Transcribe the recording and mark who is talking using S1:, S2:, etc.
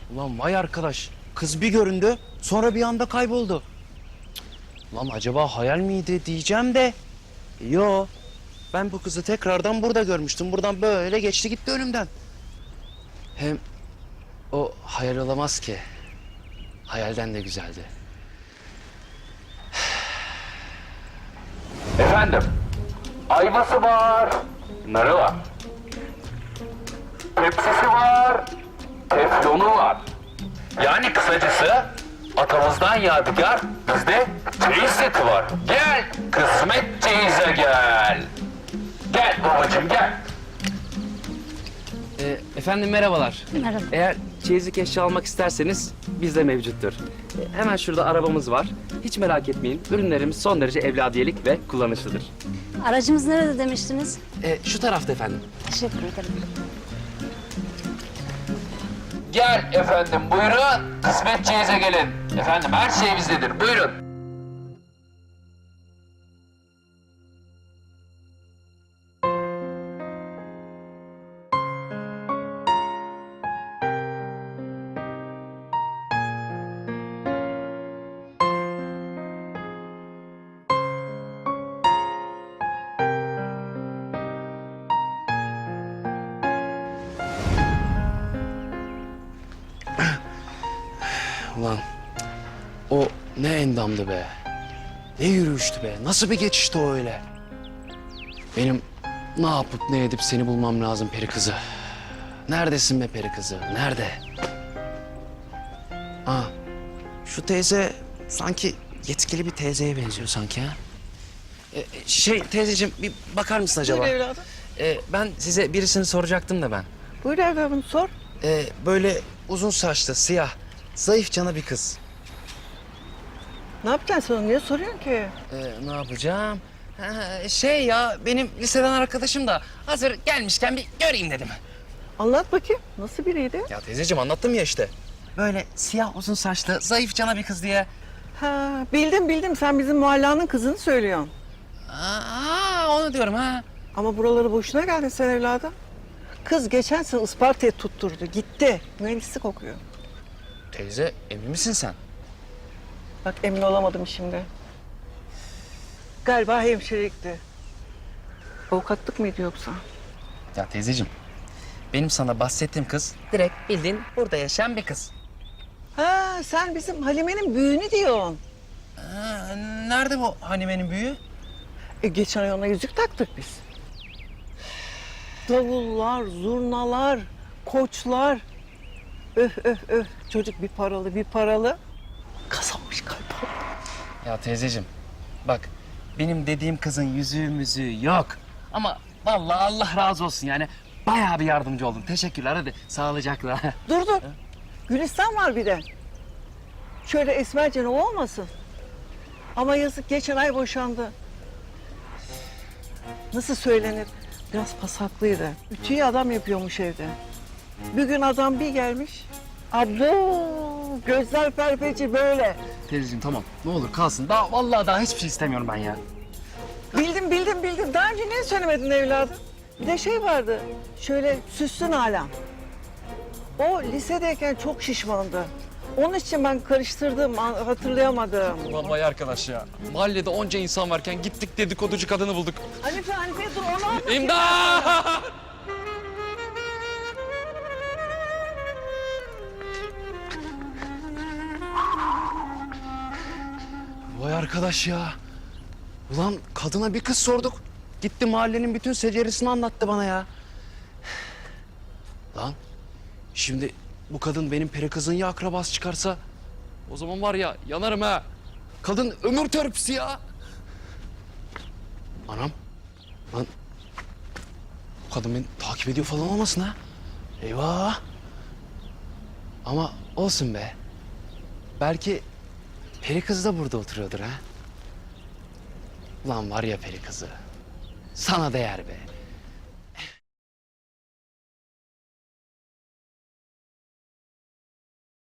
S1: Ulan vay arkadaş. Kız bir göründü, sonra bir anda kayboldu. Ulan acaba hayal miydi diyeceğim de. Yo. Ben bu kızı tekrardan burada görmüştüm. Buradan böyle geçti gitti önümden. Hem o hayal olamaz ki. Hayalden de güzeldi.
S2: Efendim, ayvası var, narı var. Tepsisi var, teflonu var. Yani kısacası atamızdan yadigar bizde çeyiz seti var. Gel kısmet çeyize gel. Gel babacığım gel.
S1: Efendim merhabalar.
S3: Merhaba.
S1: Eğer çeyizlik eşya almak isterseniz bizde mevcuttur. Hemen şurada arabamız var. Hiç merak etmeyin. Ürünlerimiz son derece evladiyelik ve kullanışlıdır.
S3: Aracımız nerede demiştiniz?
S1: Şu tarafta efendim.
S3: Teşekkür ederim.
S2: Gel efendim buyurun kısmet çeyize gelin. Efendim her şey bizdedir buyurun.
S1: Ulan o ne endamdı be. Ne yürüyüştü be. Nasıl bir geçişti o öyle. Benim ne yapıp ne edip seni bulmam lazım peri kızı. Neredesin be peri kızı? Nerede? Aa, şu teyze sanki yetkili bir teyzeye benziyor sanki ha. Teyzeciğim bir bakar mısın acaba?
S4: Buyur evladım.
S1: Ben size birisini soracaktım da ben.
S4: Buyur evladım sor.
S1: Böyle uzun saçlı, siyah, zayıf cana bir kız.
S4: Ne yapacaksın sen onu? Niye soruyorsun ki?
S1: Ne yapacağım? Ya benim liseden arkadaşım da hazır gelmişken bir göreyim dedim.
S4: Anlat bakayım. Nasıl biriydi?
S1: Ya teyzeciğim anlattım ya işte. Böyle siyah uzun saçlı zayıf cana bir kız diye.
S4: Ha, bildim. Sen bizim muhallanın kızını söylüyorsun.
S1: Onu diyorum ha.
S4: Ama buraları boşuna geldin sen evladım. Kız geçen sene Isparta'ya tutturdu. Gitti. Mühendislik okuyor.
S1: Teyze emin misin sen?
S4: Bak emin olamadım şimdi. Galiba hemşirelikti. Avukatlık mıydı yoksa?
S1: Ya teyzeciğim benim sana bahsettiğim kız direkt bildiğin burada yaşayan bir kız.
S4: Ha, sen bizim Halime'nin büyüğünü diyorsun.
S1: Nerede bu Hanime'nin büyüğü?
S4: Geçen ay ona yüzük taktık biz. Davullar, zurnalar, koçlar. Öf. Çocuk bir paralı. Kazanmış galiba.
S1: Ya teyzeciğim bak benim dediğim kızın yüzüğü müzüğü yok. Ama vallahi Allah razı olsun yani bayağı bir yardımcı oldun. Teşekkürler hadi sağlıcakla.
S4: Dur. Gülistan var bir de. Şöyle esmercen o olmasın. Ama yazık geçen ay boşandı. Nasıl söylenir? Biraz pasaklıydı. Ütüyü adam yapıyormuş evde. Bir gün adam bir gelmiş. Abo! Gözler perpeci böyle.
S1: Teyzeciğim tamam ne olur kalsın. Vallahi hiçbir şey istemiyorum ben ya.
S4: Bildim. Daha önce niye söylemedin evladım? Bir de şey vardı. Şöyle süslü Nalan. O lisedeyken çok şişmandı. Onun için ben karıştırdım, hatırlayamadım.
S5: Ulan vay arkadaş ya. Mahallede onca insan varken gittik dedikoducu kadını bulduk.
S4: Hanife dur onu anlatayım.
S5: İmdat!
S1: Vay arkadaş ya. Ulan kadına bir kız sorduk. Gitti mahallenin bütün seceresini anlattı bana ya. Lan şimdi bu kadın benim peri kızın ya akrabası çıkarsa
S5: O zaman var ya yanarım ha.
S1: kadın ömür törpüsü ya. Anam. Lan bu kadın beni takip ediyor falan olmasın ha. Eyvah. Ama olsun be. Belki peri kız da burada oturuyordur ha. Ulan var ya peri kızı. Sana değer be.